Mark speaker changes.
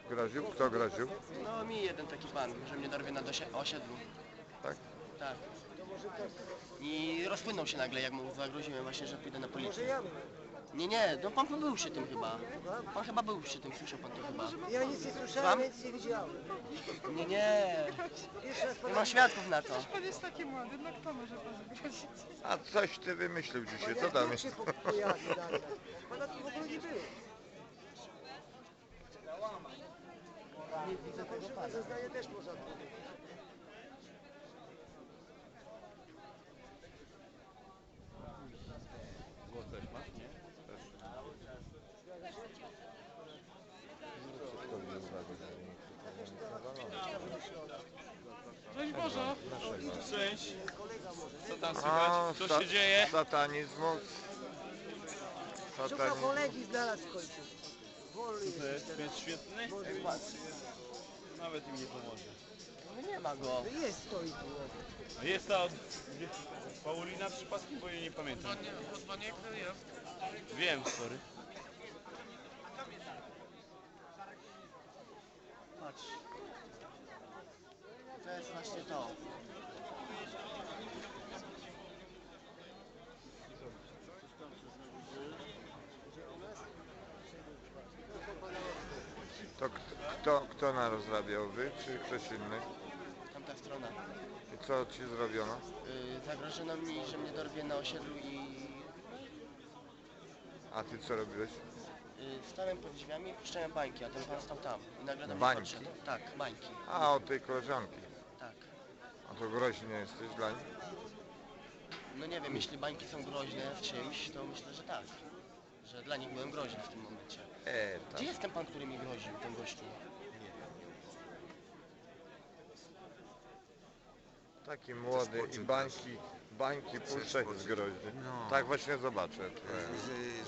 Speaker 1: Groził? Kto groził?
Speaker 2: No mi jeden taki pan, że mnie dorwie na osiedlu.
Speaker 1: Tak?
Speaker 2: Tak. I rozpłynął się nagle, jak mu zagroziłem właśnie, że pójdę na policję. Nie, no pan był przy tym chyba. Pan chyba był przy tym, słyszał pan to chyba.
Speaker 3: Ja nic nie słyszałem, nic nie widziałem.
Speaker 2: Nie.
Speaker 3: Jeszcze raz
Speaker 2: Nie mam świadków na to.
Speaker 4: Pan jest taki młody, no kto może pan zgrozić?
Speaker 1: A coś ty wymyślił dzisiaj, co tam jest?
Speaker 3: się pojawi dalej. Pana tu w ogóle nie było. Nie widzę tego pana. Zeznanie też można powiedzieć.
Speaker 1: Głos też masz? Nie?
Speaker 4: Cześć Boże!
Speaker 5: Cześć. Co tam
Speaker 1: A,
Speaker 5: słychać? Co się dzieje?
Speaker 1: Satanizmu.
Speaker 3: Szukał kolegi, znalazł w końcu. Wolny
Speaker 5: To
Speaker 3: jest.
Speaker 5: jest świetny? Nawet im nie pomoże.
Speaker 2: No nie ma go.
Speaker 3: No jest, stoi tu.
Speaker 5: A jest ta Paulina przypadkiem, bo jej nie pamiętam. Wiem, sorry.
Speaker 2: Patrz. To jest właśnie to.
Speaker 1: To kto narozrabiał? Wy czy ktoś inny?
Speaker 2: Tamta strona.
Speaker 1: I co ci zrobiono?
Speaker 2: Zagrożono mi, że mnie dorwie na osiedlu i
Speaker 1: A ty co robiłeś?
Speaker 2: stałem pod drzwiami i puszczałem bańki, a ten pan stał tam. I nagle do mnie
Speaker 1: Bańki?
Speaker 2: podszedł. Tak, bańki.
Speaker 1: A, od tej koleżanki.
Speaker 2: Tak.
Speaker 1: A to groźny jesteś dla niej?
Speaker 2: No nie wiem, jeśli bańki są groźne w czymś, to myślę, że tak. Że dla nich byłem groźny w tym momencie.
Speaker 1: Tak.
Speaker 2: Gdzie jest ten pan, który mi groził, ten gościu?
Speaker 1: Taki młody i bańki puszczać jest groźny. Tak właśnie zobaczę.